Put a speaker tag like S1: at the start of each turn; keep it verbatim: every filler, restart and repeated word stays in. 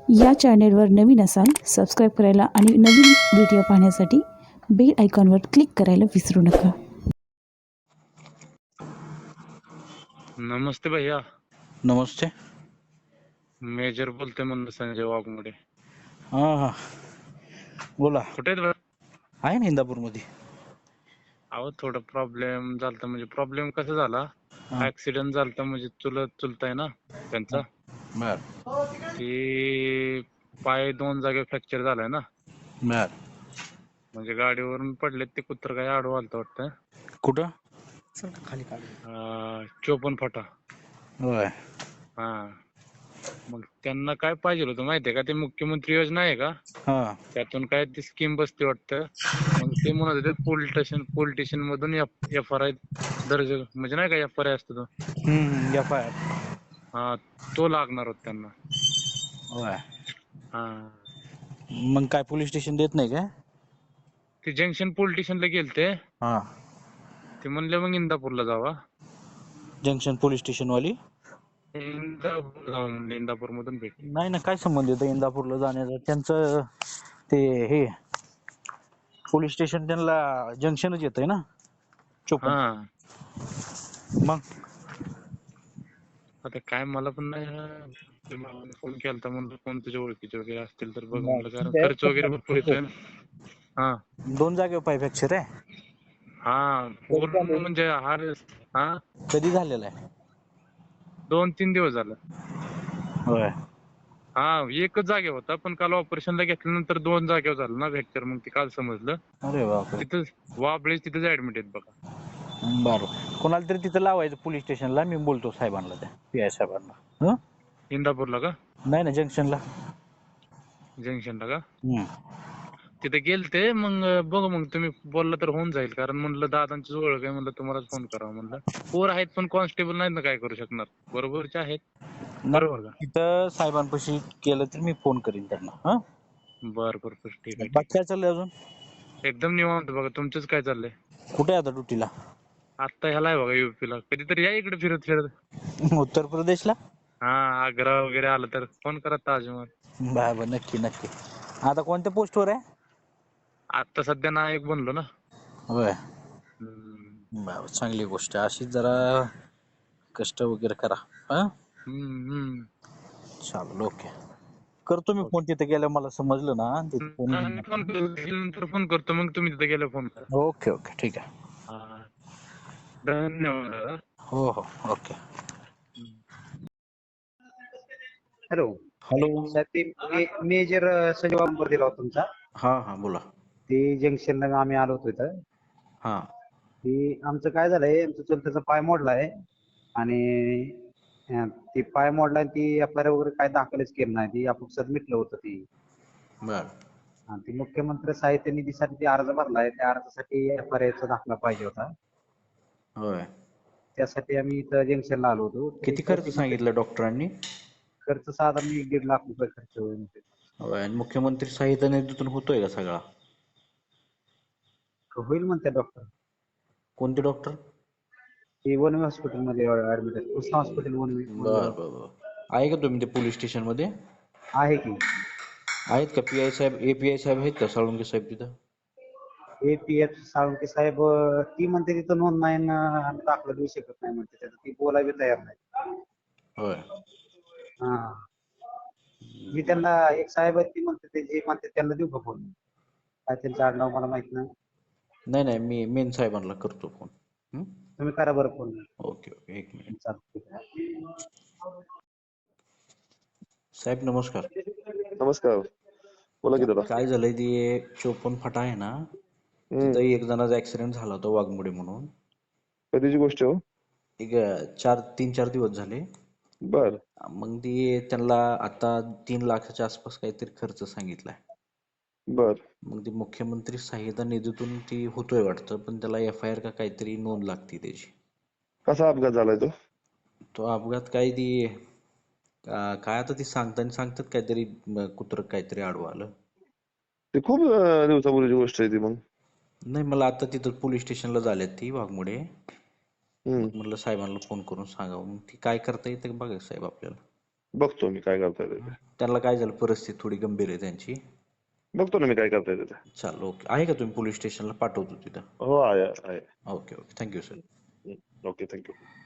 S1: या चॅनेलवर नवीन असाल सबस्क्राईब करायला आणि नवीन व्हिडिओ पाहण्यासाठी बेल आयकॉनवर क्लिक करायला विसरू नका.
S2: नमस्ते भैया.
S3: नमस्ते.
S2: मेजर बोलतोय म्हणलं संजय वाघमोडे.
S3: हा हा बोला.
S2: कुठे आहेत बा?
S3: आहे ना इंदापूरमध्ये.
S2: अहो थोडा प्रॉब्लेम झालता. म्हणजे प्रॉब्लेम कसा झाला,
S3: हा
S2: ऍक्सिडेंट झालता. म्हणजे चुलत चुलता आहे ना त्यांचा,
S3: बर
S2: ती पाय दोन जागे फ्रॅक्चर झालाय ना.
S3: बर
S2: म्हणजे गाडीवरून पडले, ते कुत्र काय आडवं आलतं वाटतं.
S3: कुठं खाली काढ.
S2: अं, चोपन फाटा.
S3: होय.
S2: हा मग त्यांना काय पाहिजे होतं माहितीये का, ते मुख्यमंत्री योजना आहे का,
S3: हा
S2: त्यातून काय ती स्कीम बसते वाटतं. मग ते म्हणत होते पोलीस स्टेशन पोलीस स्टेशन मधून एफ आर आय दर्ज, म्हणजे नाही का एफ आर आय असतो तो,
S3: हम्म एफ आय आर.
S2: हा तो लागणार होता त्यांना.
S3: होय.
S2: हा
S3: मग काय पोलीस स्टेशन देत नाही काय?
S2: ते जंक्शन पोलीस स्टेशनला गेलते.
S3: हा
S2: ते म्हणले मग इंदापूरला जावा.
S3: जंक्शन पोलीस स्टेशन वाली.
S2: इंदापूर जावा म्हणले, इंदापूर मधून भेट.
S3: नाही ना, काय संबंध येतो इंदापूरला जाण्याचा? त्यांचं ते हे पोलीस स्टेशन त्यांना जंक्शनच येतंय ना चोपन.
S2: हा
S3: मग
S2: आता काय मला पण नाही, फोन केलता म्हणलं कोण तुझ्या ओळखीचे वगैरे असतील तर बघ म्हणलं, कारण खर्च वगैरे भरपूर येतोय ना. हा
S3: दोन जागेवर पाय फ्रॅक्चर आहे.
S2: हा पूर्ण म्हणजे हार. हा
S3: कधी झालेला आहे?
S2: दोन तीन दिवस झालं.
S3: होय.
S2: हा एकच जागेवर होता, पण काल ऑपरेशनला घेतल्यानंतर दोन जागेवर झालं ना फ्रॅक्चर. मग ते काल समजलं.
S3: अरे बापरे.
S2: तिथं वाबळे तिथंच ऍडमिट आहेत बघा.
S3: बरं, कोणाला तरी तिथं लावायचं पोलीस स्टेशनला. मी बोलतो साहेबांना, त्या पी आय साहेबांना. हं
S2: इंदापूरला का?
S3: नाही ना, जंक्शनला.
S2: जंक्शनला का?
S3: हम्म
S2: तिथे गेलते. मग बघू, मग तुम्ही बोलला तर होऊन जाईल. कारण म्हणलं दादांची ओळख आहे, म्हणलं तुम्हालाच फोन करावा म्हणलं. पोर आहेत पण कॉन्स्टेबल नाहीत ना काय करू शकणार. बरोबरचे आहेत. बरोबर का?
S3: तिथं साहेबांपाशी केलं तर मी फोन करीन त्यांना. हा
S2: बर बर बर ठीक आहे ठीक
S3: बाकी काय चाललंय अजून?
S2: आहे. एकदम निवांत बघा. तुमचंच काय चाललंय?
S3: कुठे आहे आता ड्युटीला?
S2: आत्ता ह्याला आहे बघा युपीला. कधीतरी या इकडे फिरत फिरत.
S3: उत्तर प्रदेशला?
S2: हा आग्रा वगैरे आलं तर फोन करा. ताजमहल.
S3: बरं नक्की नक्की. आता कोणत्या पोस्टवर आहे?
S2: आता सध्या नायक बनलो ना.
S3: होय.
S2: हम्म
S3: बरं, चांगली गोष्ट आहे. अशीच जरा कष्ट वगैरे करा. हा
S2: हम्म हम्म.
S3: चालेल, ओके. करतो मी फोन तिथे गेल्यावर. मला समजलं ना तिथे फोन.
S2: फोन नंतर फोन करतो. मग तुम्ही तिथे गेला फोन करा.
S3: ओके ओके ठीक आहे.
S2: हा धन्यवाद.
S3: हो हो ओके.
S4: Hello
S3: hello.
S4: साहेब, ते मे- मेजर संजय वाघमोडे दिला होता तुमचा.
S3: हा हा बोला.
S4: ते जंक्शनला आम्ही आलो होतो इथं.
S3: हा
S4: ते आमचं काय झालंय, आमचं चुलत्याचा पाय मोडलाय आणि अं, ते पाय मोडलाय. ती एफ आय आर वगैरे काय दाखलच केलं नाही. ती आपण मिटलं होतं ती.
S3: बर
S4: आणि ती मुख्यमंत्री साहित्य निधीसाठी ती अर्ज भरलाय. त्या अर्जासाठी एफ आय आरचा दाखला पाहिजे होता.
S3: होय.
S4: त्यासाठी आम्ही इथं जंक्शनला आलो होतो.
S3: किती खर्च सांगितला डॉक्टरांनी?
S4: खर्च साधारण एक दीड लाख रुपये खर्च होईल.
S3: होय. आणि मुख्यमंत्री सहायता निधीतून होतोय का सगळा?
S4: होईल म्हणते डॉक्टर.
S3: कोणते डॉक्टर?
S4: ते वनवे हॉस्पिटलमध्ये ऍडमिट आहे. कृष्णा हॉस्पिटल वनवे
S3: बर बर बर. आहे का तुम्ही ते पोलीस स्टेशन मध्ये?
S4: आहे की.
S3: आहेत का पी आय साहेब, ए पी आय साहेब आहेत का, साळुंके साहेब तिथं?
S4: एपीएफ साळुंके साहेब ती म्हणते तिथं नोंद नाही ना, आम्ही दाखला देऊ शकत नाही म्हणते. त्याचं ती बोलायला तयार नाही.
S3: होय.
S4: हा मी त्यांना, एक साहेब आहेत ती म्हणते, ते जे म्हणते त्यांना देऊ का फोन? काय त्यांचं आडनाव मला माहित नाही.
S3: नाही नाही, मी मेन साहेबांना करतो फोन. हं?
S4: तुम्ही करा बरं फोन.
S3: ओके ओके, एक मिनिट.
S4: चालतंय.
S3: साहेब नमस्कार.
S5: नमस्कार. बोला की दादा.
S3: काय झालंय, ते चोपन फाटा आहे ना,
S5: हम्म.
S3: तिथं एक जणाचा ऍक्सिडेंट झाला होता वाघमोडे म्हणून.
S5: कधीची गोष्ट हो?
S3: एक चार तीन चार दिवस झाले.
S5: बर
S3: मग ती त्यांना आता तीन लाखाच्या आसपास काहीतरी खर्च सांगितलाय.
S5: बर
S3: मग ती मुख्यमंत्री सहायता निधीतून ती होतोय वाटतं, पण त्याला एफ आय आर का काहीतरी नोंद लागते त्याची.
S5: कसा अपघात झालाय तो?
S3: तो अपघात काय, ती अं, काय आता ती सांगताना सांगतात काहीतरी कुत्र काहीतरी आडवं आलं.
S5: ते खूप अं, दिवसापूर्वीची गोष्ट आहे ती. मग
S3: नाही, मला आता तिथं पोलीस स्टेशनला झाल्यात ती वाघमोडे.
S5: हम्म
S3: मग म्हटलं साहेबांना फोन करून सांगावं. मग ती काय करता येतं बघा साहेब आपल्याला.
S5: बघतो मी काय करता येते ते.
S3: त्यांना काय झालं, परिस्थिती थोडी गंभीर आहे त्यांची.
S5: बघतो ना मी काय करता येते ते.
S3: चालेल, ओके. आहे का तुम्ही पोलीस स्टेशनला? पाठवतो तिथं.
S5: हो आहे आहे.
S3: Okay okay, thank you sir.
S5: Okay thank you.